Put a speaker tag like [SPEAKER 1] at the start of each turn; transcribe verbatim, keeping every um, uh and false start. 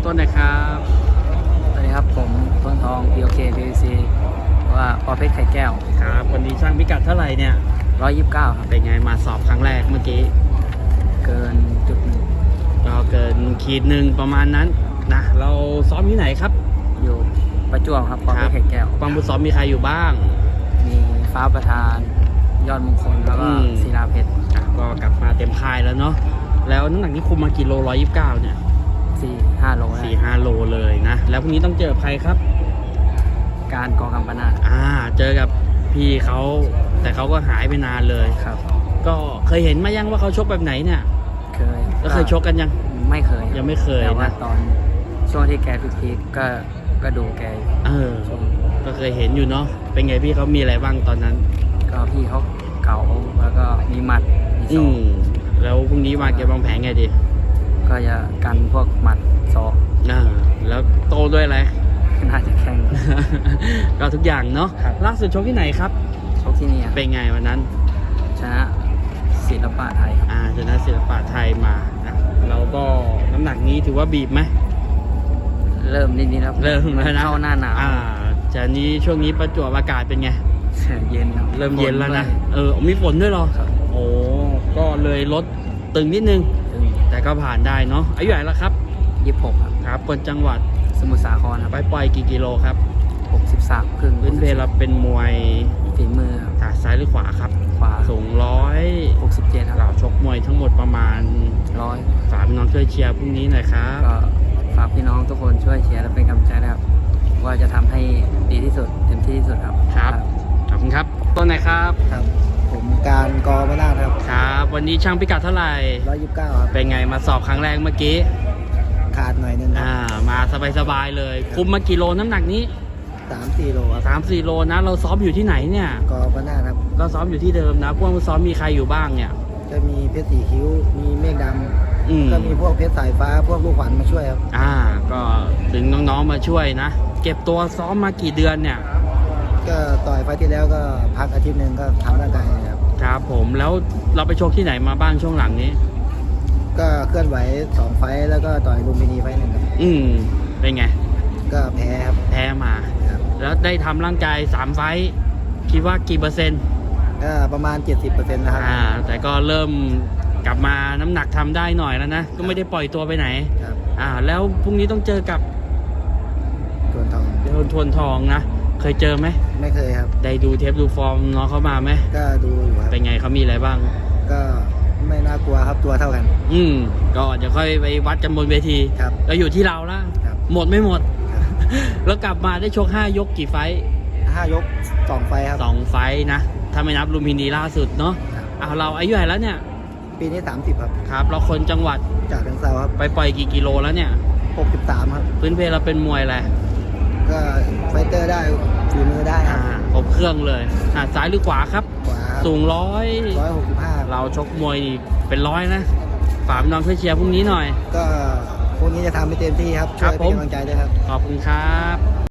[SPEAKER 1] ต้นนะครับ
[SPEAKER 2] สวัสดีครับผมต้นทอง พี โอ เค พี วี ซี ว่าปอเพชรไข่แก้ว
[SPEAKER 1] ครับวันนี้ช่างพิกัดเท่าไหร่เนี่ย
[SPEAKER 2] ร้อยยี่สิบเก้าครับ
[SPEAKER 1] เป็นไงมาสอบครั้งแรกเมื่อกี้
[SPEAKER 2] เกินจุดหนึ่ง
[SPEAKER 1] ก็เกินขีดหนึ่งประมาณนั้นนะเราซ้อมที่ไหนครับ
[SPEAKER 2] อยู่ประจวบครับปอเพชรไข่แก้ว
[SPEAKER 1] ฟังผู้ซ้อมมีใครอยู่บ้าง
[SPEAKER 2] มีฟ้าประธานยอดมงคลแล้วก็ศิลาเพชร
[SPEAKER 1] ก็กลับมาเต็มค่ายแล้วเนาะแล้วน้ำหนักนี้คุมมากี่โลร้อยยี่สิบเก้าเนี่ย
[SPEAKER 2] สี่ห้าโล
[SPEAKER 1] สี่ห้าโลเลยนะแล้วพรุ่งนี้ต้องเจอใครครับ
[SPEAKER 2] การกองกำปนาท
[SPEAKER 1] อ่าเจอกับพี่เขาแต่เขาก็หายไปนานเลย
[SPEAKER 2] ครับ
[SPEAKER 1] ก็เคยเห็นมายังว่าเขาชกแบบไหนเนี่ย
[SPEAKER 2] เคย
[SPEAKER 1] แล้วเคยชกกันยัง
[SPEAKER 2] ไม่เคย
[SPEAKER 1] ยังไม่เคย
[SPEAKER 2] แต่ว่าตอนช่วงที่แกพีคก็ก็ดูแก
[SPEAKER 1] เออก็เคยเห็นอยู่เนาะเป็นไงพี่เขามีอะไรบ้างตอนนั้น
[SPEAKER 2] ก็พี่เขาเก่าแล้วก็มีหมัดมีศอก
[SPEAKER 1] แล้วพรุ่งนี้วางเกมวางแผนไงดี
[SPEAKER 2] ก็จะกันพวกหมัดศอก
[SPEAKER 1] อ่าแล้วโตด้วยอะไร
[SPEAKER 2] น่าจะแข่ง
[SPEAKER 1] ก็ทุกอย่างเนาะล่าสุดชกที่ไหนครับ
[SPEAKER 2] ชกที่นี่
[SPEAKER 1] เป็นไงวันนั้น
[SPEAKER 2] ชนะศิลปะไทย
[SPEAKER 1] อ่าชนะศิลปะไทยมานะเราก็น้ำหนักนี้ถือว่าบีบไหม
[SPEAKER 2] เริ่มนิดๆแล้ว
[SPEAKER 1] เริ่มแล้วนะ
[SPEAKER 2] เข้าหน้าหนาว
[SPEAKER 1] อ่าจากนี้ช่วงนี้ประจวบอากาศเป็นไง
[SPEAKER 2] เย็น
[SPEAKER 1] เริ่มเย็นแล้วนะเออมีฝนด้วยหรอโอ้ก็เลยลดตึงนิดนึงแต่ก็ผ่านได้เนาะอายุเท่าไหร่แล้วครับ
[SPEAKER 2] ยี่สิบหกครับ
[SPEAKER 1] ครับคนจังหวัด
[SPEAKER 2] สมุทรสาครครับ
[SPEAKER 1] ไปปล่อยกี่กิโลครับ
[SPEAKER 2] หกสิบสามครึ่ง
[SPEAKER 1] พื้นเพเราเป็นมวย
[SPEAKER 2] ฝีมือครับ
[SPEAKER 1] ซ้ายหรือขวาครับ
[SPEAKER 2] ขวา
[SPEAKER 1] สูงร้อย
[SPEAKER 2] หกสิบเจ็ดครับ
[SPEAKER 1] เราชกมวยทั้งหมดประมาณ
[SPEAKER 2] ร้อย
[SPEAKER 1] ฝากน้องช่วยเชียร์พรุ่งนี้หน่อยครับ
[SPEAKER 2] ก็ฝากพี่น้องทุกคนช่วยเชียร์และเป็นกำลังใจนะครับว่าจะทำให้ดีที่สุดเต็มที่ที่สุดครับ
[SPEAKER 1] ครับขอบคุณครับต้นไหนครับ
[SPEAKER 2] ครับผมการกอมานาครับ
[SPEAKER 1] ครับวันนี้ช่างพิกัดเท่าไหร่
[SPEAKER 2] ร้อยยี่สิบเก้าครับ
[SPEAKER 1] เป็นไงมาสอบครั้งแรกเมื่อกี้
[SPEAKER 2] ขาดหน่อยนึง
[SPEAKER 1] อ่ามาสบายๆเลยคุมมากี่โลน้ำหนักนี้
[SPEAKER 2] สามสี่โล
[SPEAKER 1] สามสี่โลนะเราซ้อมอยู่ที่ไหนเนี่ย
[SPEAKER 2] กอมานาครับ
[SPEAKER 1] ก็ซ้อมอยู่ที่เดิมนะพวกซ้อมมีใครอยู่บ้างเนี่ย
[SPEAKER 2] จะมีเพชรสีคิ้วมีเมฆดำก็มีพวกเพชรสายฟ้าพวกลูกขวัญมาช่วยครับ
[SPEAKER 1] อ่าก็ถึงน้องๆมาช่วยนะเก็บตัวซ้อมมากี่เดือนเนี่ย
[SPEAKER 2] ก็ต่อยไฟที่แล้วก็พักอาทิตย์หนึ่งก็ทำร่างกายครับ
[SPEAKER 1] ครับผมแล้วเราไปโชคที่ไหนมาบ้างช่วงหลังนี้
[SPEAKER 2] ก็เคลื่อนไหวสองไฟแล้วก็ต่อยลุมพินีไฟหนึ่งครับ
[SPEAKER 1] อืมเป็นไง
[SPEAKER 2] ก็แพ้ครับ
[SPEAKER 1] แพ้มาแล้วได้ทำร่างกายสามไฟคิดว่ากี่เปอร์เซ็นต์
[SPEAKER 2] ก็ประมาณ เจ็ดสิบเปอร์เซ็นต์ นะครับ
[SPEAKER 1] อ่าแต่ก็เริ่มกลับมาน้ำหนักทำได้หน่อยแล้วนะก็ไม่ได้ปล่อยตัวไปไหน
[SPEAKER 2] ครับ
[SPEAKER 1] อ่าแล้วพรุ่งนี้ต้องเจอกับ
[SPEAKER 2] ทวนทอง
[SPEAKER 1] ทวนทวนทองนะเคยเจอไหม
[SPEAKER 2] ไม่เคยครับ
[SPEAKER 1] ได้ดูเทปดูฟอร์มน้องเขามาไหม
[SPEAKER 2] ก็ดูอยู่ครับ
[SPEAKER 1] เป็นไงเขามีอะไรบ้าง
[SPEAKER 2] ก็ไม่น่ากลัวครับตัวเท่ากัน
[SPEAKER 1] อืมก็เดี๋ยวค่อยไปวัดกันบนเวที
[SPEAKER 2] ครับ
[SPEAKER 1] ก็อยู่ที่เราละหมดไม่หมดแล้วกลับมาได้ชกห้ายกกี่ไฟ
[SPEAKER 2] ห้ายกสองไฟครับ
[SPEAKER 1] สองไฟนะถ้าไม่นับลุมพินีล่าสุดเนาะเอาเราอายุเท่าไหร่แล้วเนี่ย
[SPEAKER 2] ปีนี้สามสิบครับ
[SPEAKER 1] ครับเราคนจังหวัด
[SPEAKER 2] จากจังหวัดครับ
[SPEAKER 1] ไปปล่อยกี่กิโลแล้วเนี่ย
[SPEAKER 2] หกสิบสามครับ
[SPEAKER 1] พื้นเพเราเป็นมวยอะไร
[SPEAKER 2] ก็ไฟเตอร์ได้ฝีมือได้
[SPEAKER 1] อ่าครบเครื่องเลยอ่าซ้ายหรือขวาครับ
[SPEAKER 2] ขวา
[SPEAKER 1] สูงร้อย
[SPEAKER 2] ร้อยหกสิบห้า
[SPEAKER 1] เราชกมวยเป็นร้อยนะฝากน้องช่วยเชียร์พรุ่งนี้หน่อย
[SPEAKER 2] ก็พรุ่งนี้จะทำให้เต็มที่ครับช่วยเป็นกำลังใจด้วยครับ
[SPEAKER 1] ขอบคุณครับ